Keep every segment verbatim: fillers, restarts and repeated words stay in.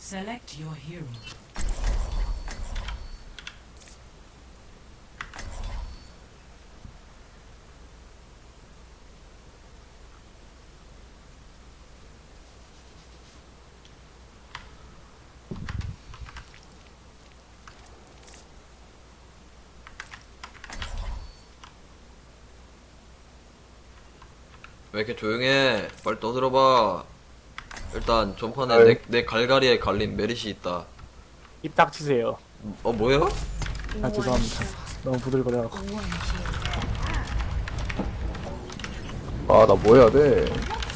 Select your hero. 왜 이렇게 조용해? 빨리 떠들어봐. 일단 전판에 아이. 내, 내 갈갈이에 갈린 메릿이 있다. 입 닥치세요. 어 뭐야? 아 죄송합니다. 너무 부들거려갖고. 아, 나 뭐 해야 돼?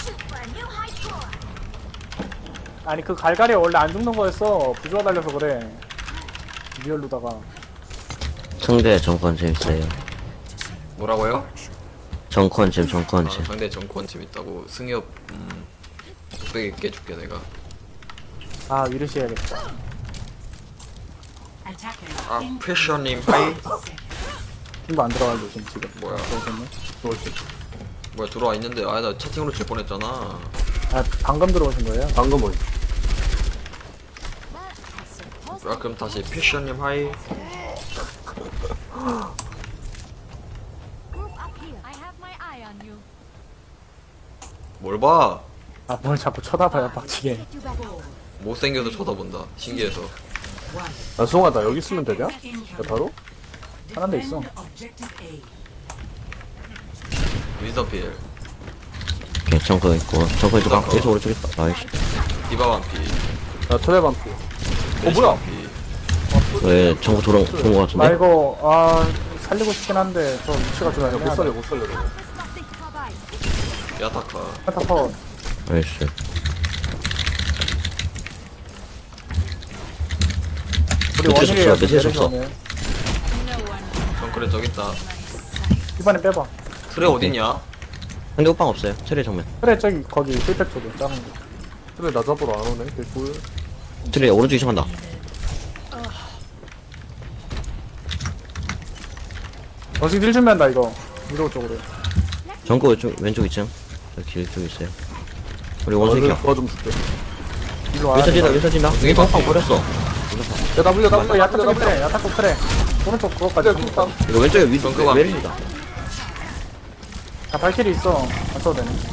아니 그 갈갈이 원래 안 죽는 거였어. 부조화 달려서 그래. 리얼로다가. 상대 정권 재밌어요. 뭐라고요? 정권 잼, 아, 정권 잼. 상대 정권 재밌다고. 승엽 음 뚝배기 깨줄게 내가. 아 위르시 해야겠다. Attackers 아 in 패션님 하이. 팀도 안 들어가죠 지금 지금. 뭐야? 들어오셨네. 뭐지? 뭐야 들어와 있는데 아 나 채팅으로 질 뻔했잖아. 아 방금 들어오신 거예요? 방금 뭐지? 아 그럼 다시 패션님 하이. Group up here. I have my eye on you. 뭘 봐? 아 뭘 자꾸 쳐다봐요 빡치게. Get you back over. 못생겨서 쳐다본다. 신기해서. 야, 수홍아, 나 여기 있으면 되냐? 야, encounter. 바로? 하나 데 있어. Defend objective A. 윈스턴 필. 오케이, 정권 있고. 정권 있고. 아, 여기서 오른쪽 있다. 나이스. 디바 반피. 야, 트레반피. 메리시 뭐야? 반피. 왜 정권 돌아, 좋은 거 아 같은데? 이거 아 살리고 싶긴 한데 저 위치가 좀 야, 못 애매하네. 살려, 못 살려, 저거. Disgusting cover. 야타카. 타퍼. 나이스. 우리 밑에 원일이에요. 없어, 밑에 없어. 내려오네. 정크레 저기 있다. 이번에 빼봐. 트레 어딨냐? 상대 호빵 없어요. 트레 정면. 그래 저기 거기 필팩 쪽에 작은 거. 트레 나 잡으러 안 오네. 개꿀. 트레 오른쪽 이상한다. 원숭이 딜 준비한다 이거. 위로 쪽으로. 정권 왼쪽, 왼쪽 있죠? 저길 쪽에 있어요. 우리 원숭이야. 도와 좀 줄게. 일로 와. 왼쪽 진다, 왼쪽 진다. 여기 호빵 버렸어. 야, 나 물려, 나 물려, 나 야타 물려, 나 쪽에 물려. 그래. 야타 쪽 그래. 오른쪽 그거까지. 트레 쿵땅. 이거 왼쪽에 위, 정권 반피. 메리시다. 아 발키리 있어. 안 써도 되네.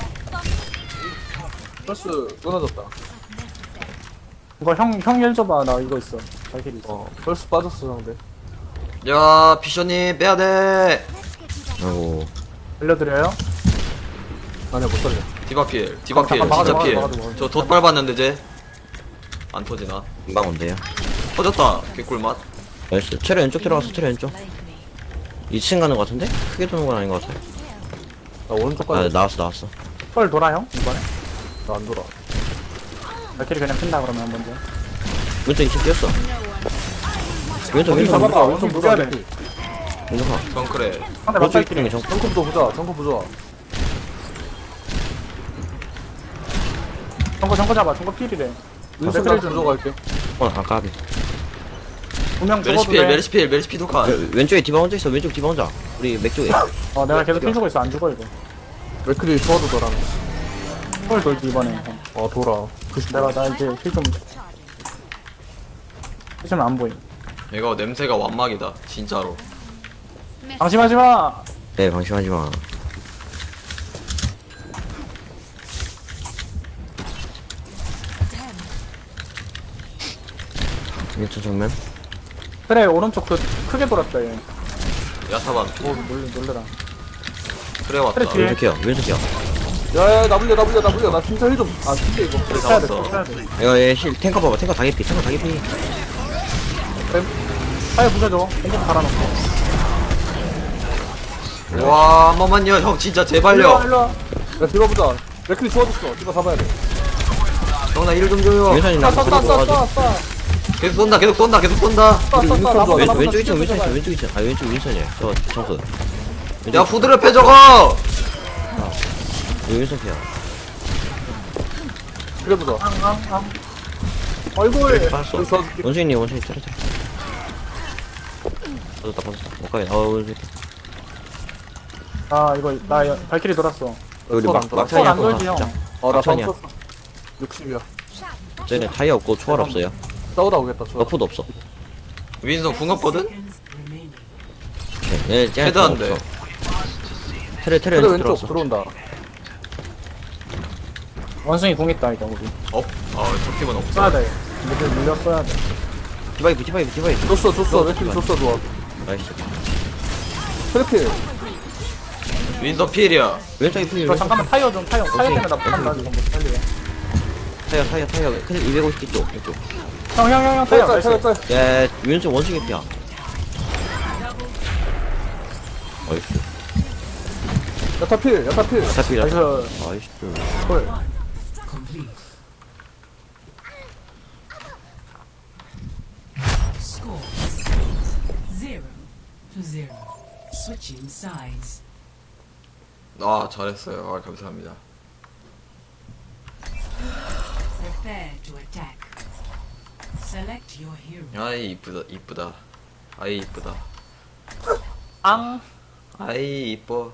플러스 끊어졌다. 이거 형형 일 줘봐. 나 이거 있어. 발키리 있어. 어, 플러스 빠졌어, 상대. 야 피셔님 빼야돼. 아이고. 알려드려요? 아니야, 못 살려. 디바 필. 디바 필. 막아줘, 진짜 막아줘, 필. 막아줘, 막아줘. 저 덧 밟았는데 쟤. 안 터지나? 금방 온대요. 터졌다. 개꿀맛. 나이스. 트레 왼쪽 들어갔어, 트레 왼쪽. 이 층 가는 거 같은데? 크게 도는 건 아닌 거 같아. 나 오른쪽까지. 아, 나왔어, 나왔어. 펄 돌아 형? 이번에? 나 안 돌아. 발키리 그냥 핀다 그러면 먼저. 왼쪽 이 층 뛰었어. 왼쪽, 어디 왼쪽, 잡아봐, 왼쪽. 왼쪽 누가 보자. 돼? 왼쪽 가. 정크레. 상대 왼쪽 맞발키리. 있는 정 정컴도 보자, 정컴 보자. 정거 정거 잡아. 정거 필이래. 윈스 그래, 트레 좀 줘갈게. 어, 아까비. 분명 메리시 죽어도 필. 돼. 메리시 필. 메리시 필 독한. 왼쪽에 디바 혼자 있어. 왼쪽 디바 혼자. 우리 맥 쪽에. 어 내가 계속 힐 주고 있어. 안 죽어 이거. 맥크리 도와도 더랑. 펄 돌지 이번에. 형. 어, 돌아. 내가 나 이제 힐좀 힐좀 안 보임. 이거 냄새가 완막이다. 진짜로. 방심하지 마. 네, 방심하지 마. 왼쪽 정면. 그래 오른쪽 그 크게 돌았다 얘. 야타 반피. 오 놀래 놀래라. 트레 왔다. 트레 뒤에. 왼쪽이야, 왼쪽이야. 야, 야, 나 물려, 나 물려, 나 물려. 나 진짜 힐 좀. 아, 진짜 이거. 트레 해야 돼. 잡았어. 해야 돼. 이거 얘 실, 탱커 봐봐. 탱커 다개피, 탱커 다개피. 파이어 부셔줘. 공공 달아놓고. 와, 한 번만요. 형 진짜 일로 와 제발요. 일로 와. 야, 디바 보자. 맥크리 좋아졌어. 디바 잡아야 돼. 형 나 일 좀 줘요. 윈선이 쏴, 나도 쏴, 쏴, 들어가가지고. 쏴, 쏴. 계속 쏜다. 계속 쏜다. 계속 쏜다. 쏴, 쏴, 쏴. 윈선 나봐, 좋아. 왼쪽, 나봐, 왼쪽 있어, 나봐. 왼쪽 있어, 왼쪽 있어. 아, 왼쪽 윈선이야. 저, 정수. 야, 후드를 패 저거. 여기 윈선 피야. 그래 보자. 앙앙앙. 얼굴. 빠졌어. 여기 써줄게. 원숭이님, 원숭이 때려, 때려. 빠졌다, 빠졌다. 못 가게. 어, 원숭이. 아 이거 나 여- 발키리 돌았어. 우리 손 막, 안 돌아. 막탄이 손안 한번 돌지, 형. 진짜. 어, 나 막탄이야. 방금 썼어. 육십이야. Shot. 쟤네 타이어 없고 초월 없어요. 싸우다 오겠다 저. 너프도 없어. 윈선 궁 없거든? Seconds remaining. 네, 쟤네 헤드 안 돼. 테레 테레 그래 왼쪽 왼쪽 들어왔어. 들어온다. 원숭이 궁 있다 이거 우리. 업? 아, 저 팀은 없어. 써야 돼. 미들 물려 써야 돼. 디바이브 디바이브 디바이브. 줬어 줬어 레필 줬어 좋아. 나이스. 트래필. 윈선 필이야. 왼쪽에 필. 저 잠깐만 타이어 좀 타이어 타이어 때문에 나 오케이. 못한다 지금 못 살리게. 타이어 타이어 타이어. 근데 이백오십 쪽 이쪽. 형형형형 타이어 짤 나이스. 짤 짤. 야 왼쪽 원숭이 피야. 나이스. 야타필 야타필. 잡히라. 나이스. 나이스. 헐. Complete. Score zero to zero. Switching sides. 아, 잘했어요. 아, 감사합니다. Prepare to attack. Select your hero. 아이, 이쁘다, 이쁘다. 아이, 이쁘다. 앙. 아이, 이뻐.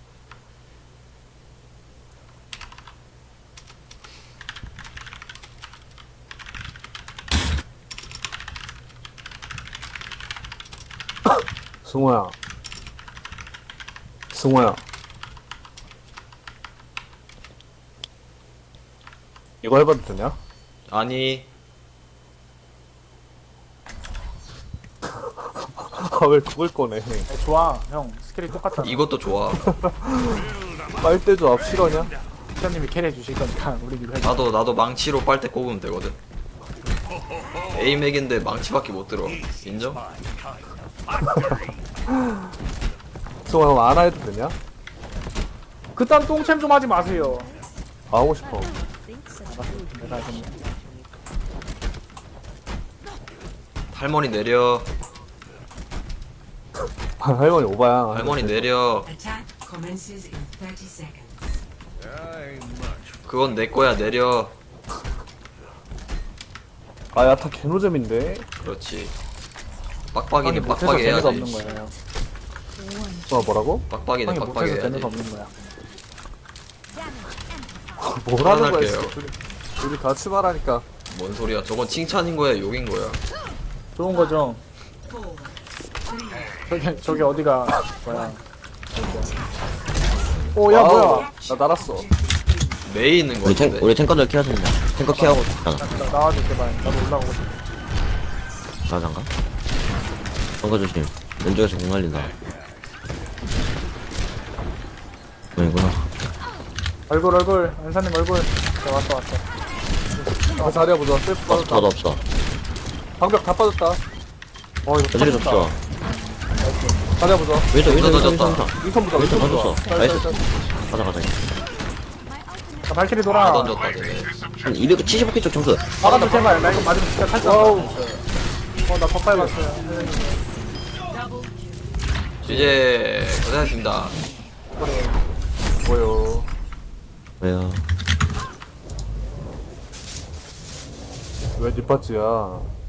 승호야. 승호야. 이거 해봐도 되냐? 아니, 아 왜 그걸 꺼내? 좋아 형 스킬이 똑같잖아. 이것도 좋아. 빨대도 앞 실화냐? 피자님이 캐리해 주실 거니까 우리 이거 해줘. 나도, 나도 망치로 빨대 꼽으면 되거든. 에이맥인데 망치밖에 못 들어. 인정? 승호야 형 안아 해도 되냐? 그딴 똥챔 좀 하지 마세요. 아, 하고 싶어. 내가 좀 할머니 내려. 할머니 오바야. 할머니 내려. Attack commences in thirty seconds. 그건 내 거야, 내려. 아 야타 개노잼인데. 그렇지. 형이 빡빡이는 못해서 빡빡이 재미가 없는 해야지. 거예요. 승호 뭐라고? 빡빡이는 형이 빡빡이 못해서 해야지. 재미가 없는 거야. 뭐라는 거야? 그만할게요. 둘이, 둘이 같이 말하니까. 뭔 소리야? 저건 칭찬인 거야, 욕인 거야? 좋은 거죠. Four, 저기 저기 어디가 뭐야? 오야 아우, 뭐야? 나 날았어. 메이 있는 거 우리 탱 같은데. 우리 탱커들 케어하자. 탱커 케어하고 있잖아. 나, 나와줘 제발. 나도 올라가고 싶어. 나장가? 탱커 조심. 왼쪽에서 공 날린다. 아니구나. 얼굴 얼굴 안사님 얼굴. 자, 왔어 왔어. 아 자리해보자. 셀프 없어 빠졌다. 더도 없어. 방벽 다 빠졌다. 어 이거 저들이 터졌다. 없어. 자리해보자. 왼쪽 왼쪽 왼쪽 던졌다. 왼쪽. 윈선 보자. 왼쪽 윈선 던졌어. 보자. 나이스. 짤, 짤, 짤. 가자 가자. 자, 발키리 다 돌아. 던졌다, 쟤네. 한 이백칠십오 개 쪽 점수. 막아줘 제발. 나 이거 맞으면 진짜 탈 와우. 어나 덧발 봤어요. 이제 고생하셨습니다. 뭐요? 왜요? 왜 뒷받지야?